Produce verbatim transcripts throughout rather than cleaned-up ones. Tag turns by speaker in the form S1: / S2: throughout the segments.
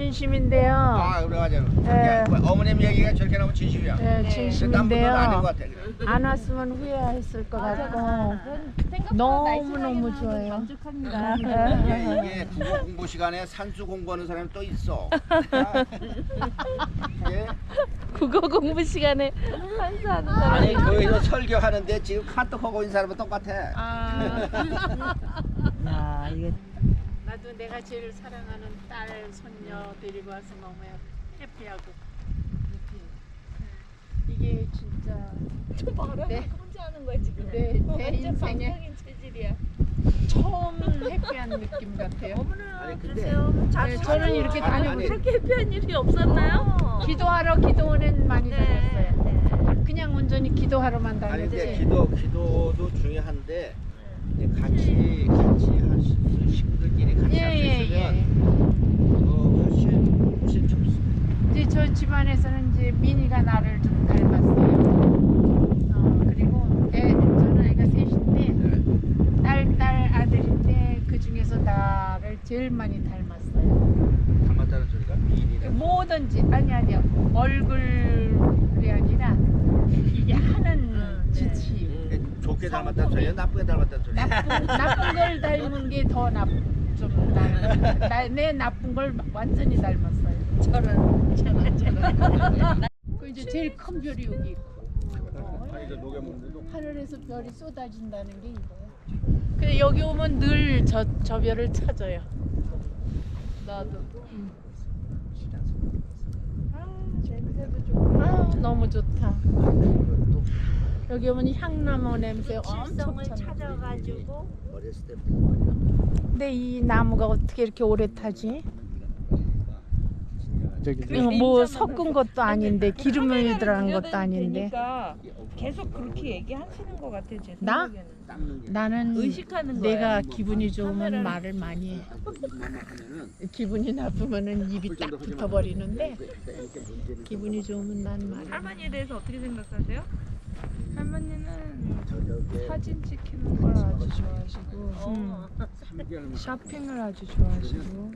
S1: 진심인데요.
S2: 아 그래가지고
S1: 네.
S2: 어머님 얘기가 저렇게 나오면 진심이야.
S1: 네,
S2: 난 분은 아닌 것
S1: 진심인데요.
S2: 같아.
S1: 안 왔으면 후회했을 것 같고 너무 너무 좋아요.
S3: 만족합니다.
S2: 이게, 이게 국어 공부 시간에 산수 공부하는 사람이 또 있어. 아, 이게
S3: 국어 공부 시간에 한수하는 사람.
S2: 아니 거기서 설교하는데 지금 카톡 하고 있는 사람은 똑같아.
S3: 아.
S4: 야, 이게
S1: 나도 내가 제일 사랑하는 딸, 손녀 데리고 와서 너무 해피하고 이게 진짜
S3: 좀 봐라.
S1: 네.
S3: 혼자 하는 거야 지금.
S1: 내, 내
S3: 완전
S1: 인생에
S3: 방송인 체질이야.
S1: 처음 해피한 느낌 같아요.
S3: 어머나
S2: 아니, 근데-
S3: 그러세요.
S1: 네, 저는 이렇게
S2: 아니,
S1: 다니고
S2: 아니.
S3: 그렇게 해피한 일이 없었나요?
S1: 기도하러 기도원엔 많이
S3: 네.
S1: 다녔어요.
S3: 네.
S1: 그냥 온전히 기도하러만
S2: 아니 근데
S1: 다녔지.
S2: 기도 기도도 중요한데 이제 같이 같이 할 수 있는 친구들끼리 같이
S1: 예,
S2: 할 수
S1: 예,
S2: 있으면
S1: 예.
S2: 어, 훨씬 훨씬 좋습니다.
S1: 이제 저 집안에서는 이제 민이가 나를 좀 닮았어요. 어, 그리고 애, 저는 애가 셋인데 딸, 딸 아들인데 그 중에서 나를 제일 많이 닮았어요.
S2: 닮았다는 소리가 미인이라.
S1: 뭐든지 아니 아니요 얼굴이 아니라 이게 하는 지치.
S2: 좋게 닮았다는 소리야, 나쁘게 닮았다는 소리야.
S1: 나쁜 나쁜 걸 닮은 게 더 나쁜 좀 나는 나, 내 나쁜 걸 완전히 닮았어요.
S3: 저런 저런 저런.
S1: 그 이제 제일 큰 별이 여기 있고
S2: 아니 저 녹여 먹는데도
S1: 하늘에서 별이 쏟아진다는 게 이거예요. 근데 여기 오면 늘 저 저 별을 찾아요. 나도. 응. 아 냄새도 좋고. 아 너무 좋다. 여기 오면 향나무 냄새 엄청
S3: 실성을
S1: 차네.
S3: 찾아가지고
S2: 어렸을 때
S1: 근데 이 나무가 어떻게 이렇게 오래 타지?
S5: 저기
S1: 이거 뭐 섞은 것도 아닌데 기름을 들어간 것도 아닌데
S6: 그러니까 계속 그렇게 얘기하시는 것 같아 제
S1: 나?
S6: 생각에는.
S2: 닦는 게
S1: 나는
S6: 의식하는 거야.
S1: 내가 기분이 좋으면
S6: 카메라를-
S1: 말을 많이 해.
S2: 하면은
S1: 기분이 나쁘면은 입이 딱 붙어버리는데
S2: 이렇게 문제는
S1: 기분이 좋으면 난 말을
S6: 할머니에 대해서 어떻게 생각하세요?
S3: 할머니는
S2: 저녁에
S3: 사진 찍히는 걸 아주 좋아하시고
S6: 어.
S2: 삼 개월만
S3: 쇼핑을 아주 좋아하시고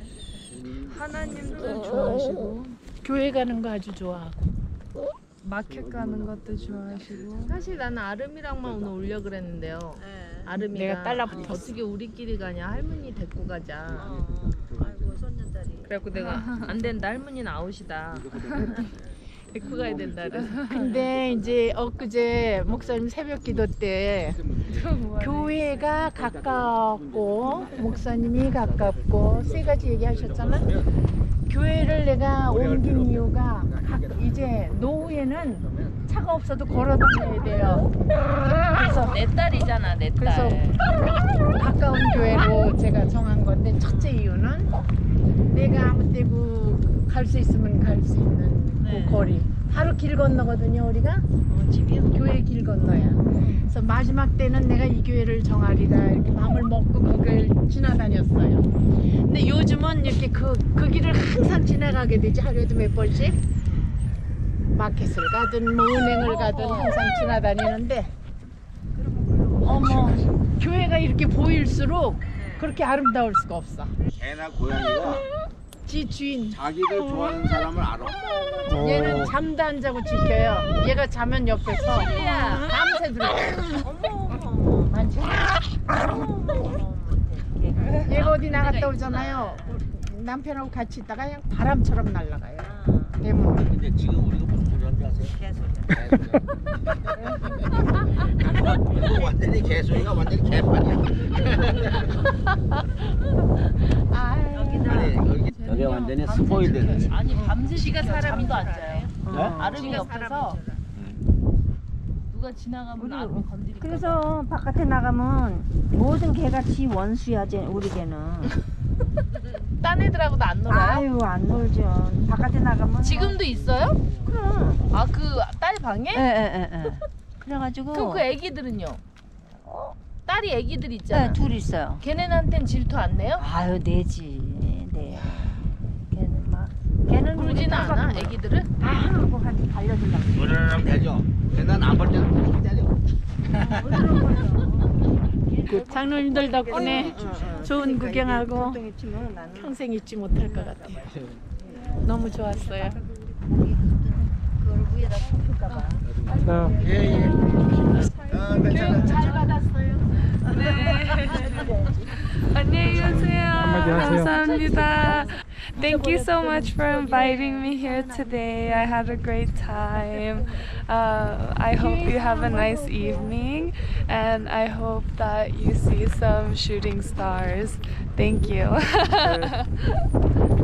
S3: 하나님도 좋아하시고
S1: 교회 가는 거 아주 좋아하고
S3: 마켓 가는 것도 좋아하시고
S6: 사실 나는 아름이랑만 오늘 오려 그랬는데요. 아름이가
S1: 내가 딸라붙었어.
S6: 어떻게 우리끼리 가냐 할머니 데리고 가자.
S3: 아이고 손녀딸이
S6: 그래갖고 내가 안 된다 할머니는 아웃이다. 데리고 가야 된다 그래서.
S1: 근데 이제 엊그제 목사님 새벽 기도 때 교회가 가깝고 목사님이 가깝고 세 가지 얘기하셨잖아. 교회를 내가 옮긴 이유가 각- 이제 노후에는 차가 없어도 걸어 다녀야 돼요. 그래서
S6: 내 딸이잖아 내
S1: 그래서
S6: 딸.
S1: 가까운 교회로 제가 정한 건데 첫째 이유는 내가 아무 때고 갈 수 있으면 갈 수 있는
S6: 네.
S1: 그 거리. 바로 길 건너거든요 우리가.
S6: 어, 집이요?
S1: 교회 길 건너야. 그래서 마지막 때는 내가 이 교회를 정하리라 이렇게 마음을 먹고 거길 지나다녔어요. 근데 요즘은 이렇게 그, 그 길을 항상 지나가게 되지. 하루에도 몇 번씩 마켓을 가든 뭐 은행을 가든 항상 지나다니는데 어머 교회가 이렇게 보일수록 그렇게 아름다울 수가 없어.
S2: 개나 고양이가
S1: 지 주인
S2: 자기를 좋아하는 사람을 알아.
S1: 얘는 잠도 안 자고 지켜요. 얘가 자면 옆에서 밤새 들어. 만지. 얘가 어디 나갔다 오잖아요. 남편하고 같이 있다가 그냥 바람처럼 날아가요. 대문.
S2: 근데 지금 우리가 무슨 소리 하는지 아세요? 개소리. 이거 완전히 개소리가 완전히 개판이야.
S1: 아,
S2: 아니 여기 여기 완전히 스포일드.
S6: 아니 밤새 지가 사람도 안 자요.
S2: 네?
S6: 아름이 옆에서 누가 지나가면 아름 건드리고.
S4: 그래서 바깥에 나가면 모든 개가 지 원수야, 쟤 우리 개는.
S6: 딴 애들하고도 안 놀아요?
S4: 아유, 안 놀죠. 바깥에 나가면
S6: 지금도 있어요?
S4: 그럼.
S6: 아 그 딸 방에?
S4: 예, 예, 예, 예. 그래가지고
S6: 그럼 그 애기들은요? 딸이 애기들 있잖아.
S4: 네, 둘 있어요.
S6: 걔네한텐 질투 안 내요?
S4: 아유, 내지. 네. 걔는 막 걔는
S6: 울지는 않아? 애기들은?
S4: 다 하고 같이 달려들라고.
S2: 으르렁 대죠. 근데 난안 볼 때는 꼭 때려.
S1: 장로님들 덕분에 좋은 구경하고
S4: 골동이 치면 나는
S1: 평생 잊지 못할 것 같아요. 너무 좋았어요.
S4: 그걸 위에다 덮을까 봐.
S2: 예예. 아 괜찮아.
S1: 잘 받았어요.
S3: 안녕히 가세요.
S5: 하세요.
S3: 감사합니다. Thank you so much for inviting me here today. I had a great time. Uh, I hope you have a nice evening, and I hope that you see some shooting stars. Thank you.